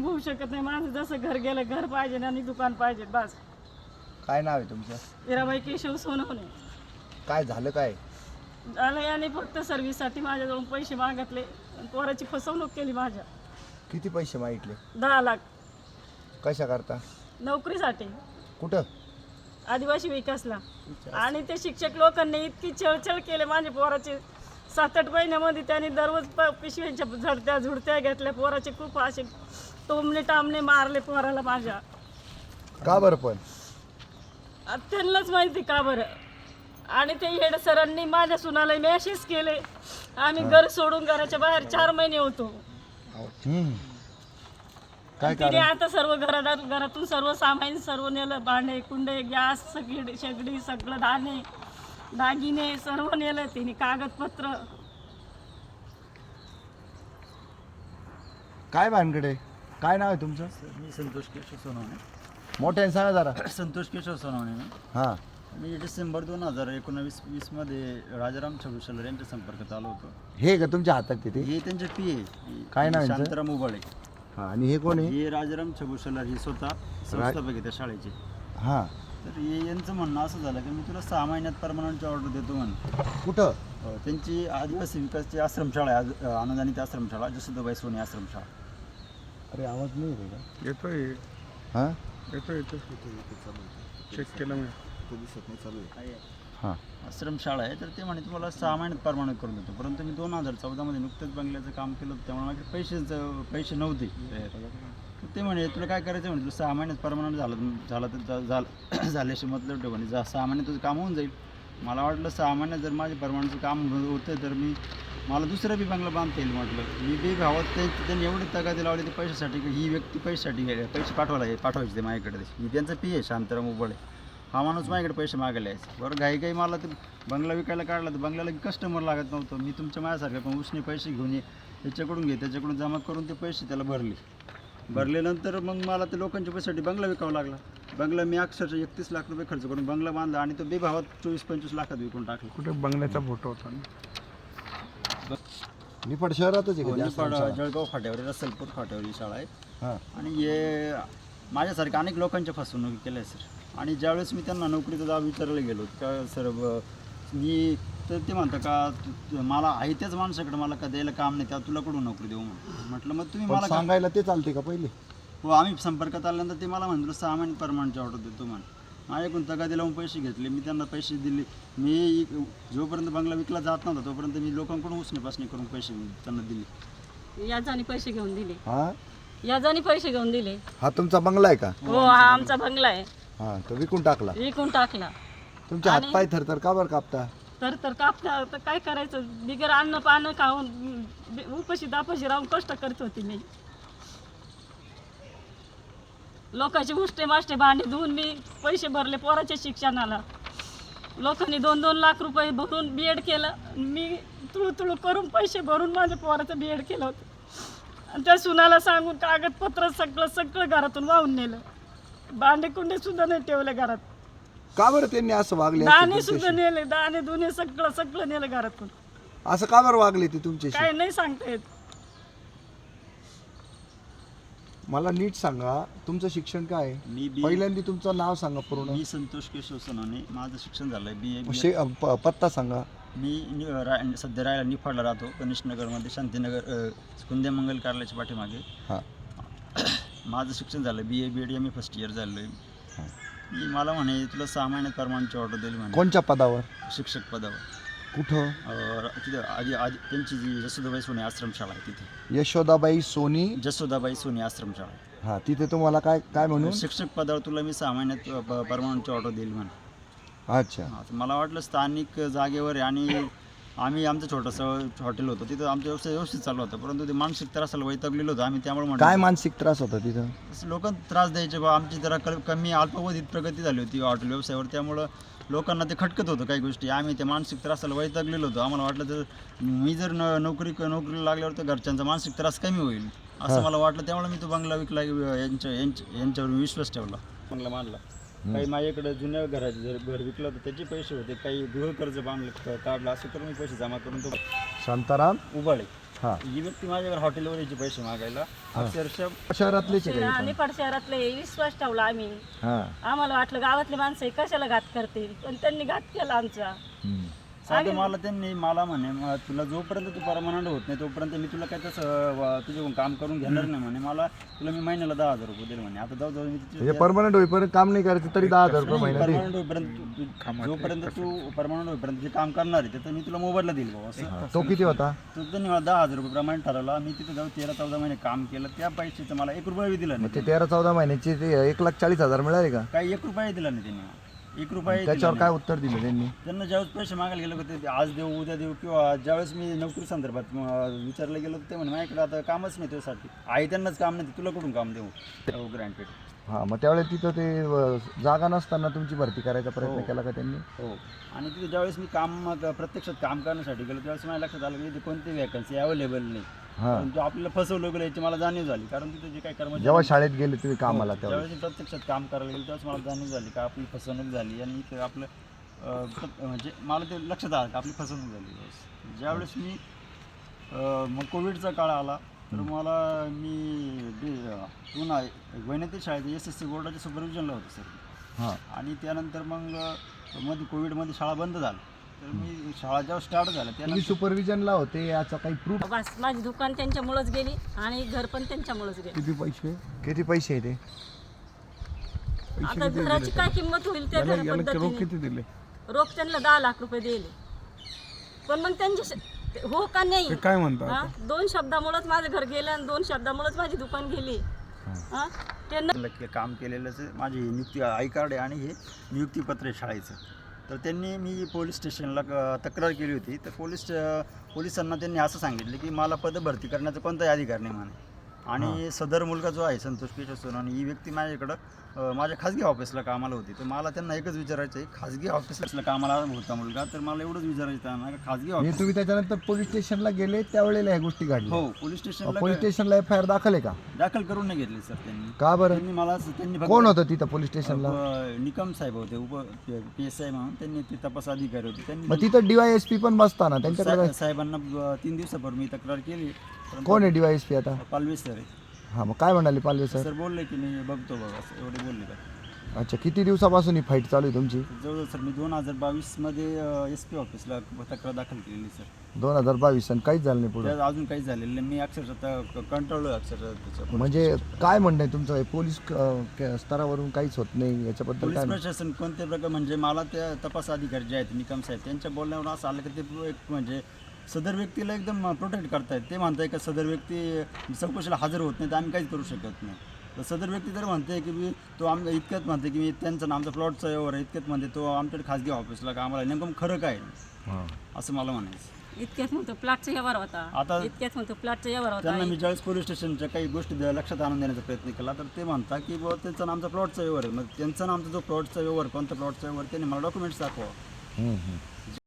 होऊ शकत नाही. माझं जसं घर गेलं, घर पाहिजे आणि दुकान पाहिजे बस. काय नाव आहे तुमचं? हिराबाई केशव सोनवणे. काय झालं काय? झालं याने फक्त सर्व्हिससाठी माझ्याजवळून पैसे मागितले आणि पोराची फसवणूक केली माझ्या. किती पैसे मागितले? 10 लाख कशा करता? नोकरीसाठी कुठं? आदिवासी विकासला. आणि ते शिक्षक लोकांनी इतकी छळछळ केले माझ्या पोराचे. 7-8 महिन्यामध्ये त्यांनी दररोज पिशव्यांच्या झडत्या झुडत्या घेतल्या. पोराचे खूप असे टोमणे टामणे मारले पोराला माझ्या. का बरं पण? त्यांनाच माहिती का बरं. आणि ते हेड सरांनी माझ्या सुनाला मेसेज केले. आम्ही घर सोडून घराच्या बाहेर 4 महिने होतो. काय तिने कारण? आता सर्व घरातून सर्व सामान सर्व नेलं. भांडे कुंडे गॅस शेगडी सगळं दागिने सर्व नेलं तिने. कागदपत्र. काय भानगडे? काय नाव आहे तुमचं? मी संतोष केशव सोनवणे. मोठ्याने सांगा जरा. संतोष केशव सोनवणे मी. हां. मी डिसेंबर 2019-20 मध्ये राजाराम छबुशलर यांच्या संपर्कात आलो होतो. हे का तुमच्या हातात तिथे? हे त्यांचे पी काय नाव यांचं? शांताराम उबाळे. हां. आणि हे कोण आहे? हे राजाराम छबुशलर हे स्वतः संस्थापक आहे त्या शाळेचे. हां. तर हे यांचं म्हणणं असं झालं की मी तुला 6 महिन्यात परमनंटची ऑर्डर देतो म्हणून. कुठं? त्यांची आदिवासी विकासची आश्रमशाळा आहे, अनुदानित आश्रमशाळा, जसोदाबाई सोनी आश्रमशाळा. अरे आवाज नाही येते का? येतोय हां. येतोय चेक केलं मी. हां. आश्रमशाळा आहे. तर ते म्हणे तुम्हाला 6 महिन्यात परमनंट करून देतो. परंतु मी 2014 मध्ये नुकतंच बंगल्याचं काम केलं होतं, त्यामुळे माझे पैसे नव्हते. ते म्हणे तुला काय करायचं म्हणे, तुला 6 महिन्यात परमनंट झालं तर झाल्याशी मतलब ठेव म्हणे. 6 महिन्यात तुझं काम होऊन जाईल. मला वाटलं 6 महिन्यात जर माझे परमनंटचं काम होतं तर मला दुसरा बी बंगला बांधता येईल म्हटलं. मी बी भावात त्यांनी एवढी तगादी लावली ते पैशासाठी की ही व्यक्ती पैसे पाठवायचे ते माझ्याकडे. ही त्यांचा पी आहे शांताराम उबाळे. हा माणूस माझ्याकडे पैसे मागायला यायचे. बरं घाई मला ते बंगला विकायला काढला तर बंगल्याला कस्टमर लागत नव्हतं. मी तुमच्या माझ्यासारखं पण उसने पैसे घेऊन ये, त्याच्याकडून घे, त्याच्याकडून जमा करून ते पैसे त्याला भरल्यानंतर मग मला ते लोकांच्या पैशासाठी बंगला विकावा लागला. बंगला मी अक्षरशः 31 लाख रुपये खर्च करून बंगला बांधला आणि तो बेभावात 24-25 लाखात विकून टाकला. कुठे बंगल्याचा फोटो होता ना? निफाड शहरातच आहे का? निफाड जळगाव फाट्यावर, रसलपूर फाट्यावर ही शाळा आहे. हां. आणि हे माझ्यासारख्या अनेक लोकांच्या फसवणूक केल्या आहे सर. आणि ज्यावेळेस मी त्यांना नोकरीचा जाब विचारायला गेलो का सर मी तर ते म्हणतं का मला आहे त्याच माणसाकडे मला का द्यायला काम नाही, त्या तुला कडून नोकरी देऊ म्हटलं. मग तुम्ही मला सांगायला ते चालते का पहिले? हो, आम्ही संपर्कात आल्यानंतर ते मला म्हणलं 6 महिने परमनंटची ऑर्डर देतो म्हणे. माझ्याकडून तगादी लावून पैसे घेतले. मी त्यांना पैसे दिले. मी जोपर्यंत बंगला विकला जात नव्हता तोपर्यंत मी लोकांकडून उसने करून पैसे त्यांना दिले. याजाने पैसे घेऊन दिले. हां. याजाने पैसे घेऊन दिले. हा तुमचा बंगला आहे का? हो, हा आमचा बंगला आहे. हां. तो विकून टाकला. विकून टाकला. तुमचे हातपाय थरथर का बरं कापता? तर कापता तर काय करायचं. बिगर अन्न पानं खाऊन उपाशी दापाशी राहून कष्ट करत होती मी. लोकांचे उष्टे माष्टे भांडे धुवून मी पैसे भरले पोराच्या शिक्षणाला. लोकांनी 2-2 लाख रुपये भरून बीएड केलं. मी तुळू करून पैसे भरून माझ्या पोराचं बीएड केलं होतं. आणि त्या सुनाला सांगून कागदपत्र सगळं घरातून वाहून नेलं. भांडे कुंडे सुद्धा नाही ठेवले घरात. का बरं त्यांनी असं वागले? दाणे सुद्धा नेले. दाणे दुने सगळं नेलं घरातून. असं का बरं वागले ते तुमच्याशी? काय नाही सांगता येत. मला नीट सांगा, तुमचं शिक्षण काय आहे? मी पहिल्यांदा तुमचं नाव सांगा पूर्ण. मी संतोष केशव सोनवणे. माझं शिक्षण झालं आहे BA. पत्ता सांगा. मी सध्या राहायला निफाडला राहतो, कनिष्ठनगरमध्ये, शांतीनगर कुंदेमंगल कार्यालयाच्या पाठीमागे. हां. माझं शिक्षण झालं BA BEd MA first year झालं आहे. मला म्हणे तुला 6 महिन्यात परमनंटची ऑर्डर दिली म्हणे. कोणत्या पदावर? शिक्षक पदावर. कुठं? तिथं आधी त्यांची जी जसोदाबाई सोनी आश्रमशाळा आहे तिथे. यशोदाबाई सोनी. जसोदाबाई सोनी आश्रमशाळा आहे. हां. तिथे तुम्हाला काय म्हणून? शिक्षक पदावर तुला मी 6 महिन्यात परमनंटची ऑर्डर देईल म्हणे. अच्छा. मला वाटलं स्थानिक जागेवर आहे आणि आम्ही आमचं छोटंसं हॉटेल होतं तिथं आमचा व्यवसाय व्यवस्थित चालू होता. परंतु ते मानसिक त्रासाला वैतागलेलं होतं आम्ही. त्यामुळे म्हणतो काय मानसिक त्रास होता तिथं? लोक त्रास द्यायचे बा. आमची जरा कमी अल्पावधीत प्रगती झाली होती हॉटेल व्यवसायावर. त्यामुळं लोकांना ते खटकत होतं काही गोष्टी. आम्ही त्या मानसिक त्रासाला वैतागलेलो होतो. आम्हाला वाटलं तर मी जर नोकरीला लागल्यावर तर घरच्यांचा मानसिक त्रास कमी होईल असं मला वाटलं. त्यामुळे मी तो बंगला विकला. यांच्यावर विश्वास ठेवला, बंगला मानला. काही माझ्याकडे जुन्या घराचे जर घर विकलं तर त्याचे पैसे होते. काही गृहकर्ज काढलं असं करून मी पैसे जमा करून तो शांताराम उबाळे. हा. ही व्यक्ती माझ्याकडे हॉटेलवर यायची पैसे मागायला अक्षरशः शहरातलेच आहे का? निपाड शहरातले विश्वास ठेवला आम्ही. हा. आम्हाला वाटलं गावातले माणसं कशाला घात करतील, पण त्यांनी घात केला आमचा. हम्म. साधं मला त्यांनी मला म्हणे तुला जोपर्यंत तू परमनंट होत नाही तोपर्यंत मी तुला काय तसं तुझ्याकडून काम करून घेणार नाही म्हणे. मला तुला मी महिन्याला 10,000 रुपये देईल म्हणे. आता जाऊ मी म्हणजे परमनंट होईपर्यंत काम नाही करायचं तरी 10,000 रुपये महिना दे. परमनंट होईपर्यंत जोपर्यंत तू परमनंट होईपर्यंत जे काम करणार आहे तर मी तुला मोबाईलला देईल भाऊ असं. तो किती होता? तर त्यांनी मला 10,000 रुपये प्रमाणे ठरवला. मी तिथे जाऊन 13-14 महिने काम केलं. त्या पैशाचं मला 1 रुपया दिला मग नाही. ते 13-14 महिन्याचे ते 1,40,000 मिळाले का? काही 1 रुपया दिला नाही त्यांनी. 1 रुपया त्याच्यावर काय उत्तर दिलं त्यांनी? त्यांना ज्यावेळेस पैसे मागायला गेलो होते आज देऊ उद्या देऊ किंवा ज्यावेळेस मी नोकरी संदर्भात विचारलं गेलो ते म्हणे माझ्याकडे आता कामच नाही त्यासाठी. आई त्यांनाच काम नाही तुला कुठून काम देऊ ग्रँटेड. हां, मग त्यावेळेस तिथं ते जागा नसताना तुमची भरती करायचा प्रयत्न केला का त्यांनी? हो. आणि तिथे ज्यावेळेस मी प्रत्यक्षात काम करण्यासाठी गेलो त्यावेळेस माझ्या लक्षात आलं की इथे कोणती वॅकन्सी अवेलेबल नाही. परंतु आपल्याला फसवलं गेलं याची मला जाणीव झाली. कारण तिथे जे काही कर्मचारी जेव्हा शाळेत गेले तुम्ही कामाला त्यावेळेस ज्यावेळेस मी प्रत्यक्षात काम करायला गेलो त्यावेळेस मला जाणीव झाली का आपली फसवणूक झाली. आणि इथे आपलं म्हणजे मला ते लक्षात आलं का आपली फसवणूक झाली. ज्यावेळेस मी मग कोविडचा काळ आला तर मला मी पुन्हा वैनती शाळेत SSC बोर्डाच्या सुपरविजनला होतो सर. हां. आणि त्यानंतर मग मध्ये कोविडमध्ये शाळा बंद झाली. तर मी शाळा जेव्हा स्टार्ट झाल्या तुम्ही त्यानंतर सुपरविजनला होते याचा काही प्रूफ? बस माझी दुकान त्यांच्यामुळेच गेली आणि घर पण त्यांच्यामुळेच गेली. किती पैसे? किती पैसे आहे ते? आता घराची काय किंमत होईल त्या याला रोख पद्धतीने किती दिले? रोख त्यांना 10 लाख रुपये दिले. पण मग त्यांचे हो का नाही ते काय म्हणतात? हा? 2 शब्दामुळेच माझं घर गेलं आणि 2 शब्दामुळेच माझी दुकान गेली. हा? त्यांना काम केलेलंच माझी नियुक्ती आय कार्ड आहे आणि हे नियुक्तीपत्र आहे शाळेचं. तर त्यांनी मी पोलीस स्टेशनला तक्रार केली होती. तर पोलिसांना त्यांनी असं सांगितलं की मला पदभरती करण्याचा कोणताही अधिकार नाही म्हणे. आणि सदर मुलगा जो आहे संतोष केशव सोनवणे ही व्यक्ती माझ्याकडं माझ्या खाजगी ऑफिसला कामाला होती. तर मला त्यांना एकच विचारायचं आहे खाजगी ऑफिसला कामाला होता मुलगा तर मला एवढंच विचारायचं आहे का खाजगी ऑफिस. तुम्ही त्याच्यानंतर पोलीस स्टेशनला गेले त्यावेळेला ह्या गोष्टी घडल्या? हो पोलीस स्टेशनला पोलीस स्टेशनला FIR दाखल आहे का? दाखल करून नाही घेतली सर त्यांनी. का बरं? त्यांनी मला त्यांनी फक्त कोण होतं तिथं पोलीस स्टेशनला? निकम साहेब होते PSI म्हणून त्यांनी ते तपास अधिकारी होते. त्यांनी मग तिथं DYSP पण बसताना त्यांच्याकडे साहेबांना 3 दिवसापूर्वी मी तक्रार केली. कोण आहे DYSP आता? पालवे सर आहे. हां, मग काय म्हणाले पालवे सर? सर बोलले की मी बघतो बघा असं एवढे बोलले का. अच्छा, किती दिवसापासून ही फाईट चालू आहे तुमची? जवळजवळ सर मी 2022 मध्ये SP ऑफिसला तक्रार दाखल केलेली सर. 2022 आणि काहीच झालं नाही पुढे? त्यात अजून काहीच झालेलं नाही. मी अक्षरशः कंटाळलो अक्षरशः त्याच्या. म्हणजे काय म्हणणं आहे तुमचं? पोलीस स्तरावरून काहीच होत नाही याच्याबद्दल पोलीस काय? प्रशासन कोणत्या प्रकार म्हणजे मला त्या तपास अधिकारी जे आहेत निकम साहेब त्यांच्या बोलण्यावर असं आलं की ते एक म्हणजे सदर व्यक्तीला एकदम प्रोटेक्ट करतायत. ते म्हणताय का सदर व्यक्ती चौकशीला हजर होत नाही तर आम्ही काहीच करू शकत नाही. तर सदर व्यक्ती जर म्हणते की मी तो इतक्यात म्हणते की मी त्यांचं आमचा प्लॉटचा व्यवहार आहे इतक्यात म्हणते तो आमच्याकडे खाजगी ऑफिसला कामाला नेमकं खरं काय असं मला म्हणायचं. इतक्यात म्हणतो प्लॉटचा व्यवहार होता. आता इतक्यात म्हणतो प्लॉटचा व्यवहार होता. त्यांना मी ज्यावेळेस पोलीस स्टेशनच्या काही गोष्टी लक्षात आणून देण्याचा प्रयत्न केला तर ते म्हणतात की बुवा त्यांचा आमचा प्लॉटचा व्यवहार आहे. मग त्यांचा आमचा जो प्लॉटचा व्यवहार कोणता प्लॉटचा व्यवहार त्यांनी मला डॉक्युमेंट्स दाखवा.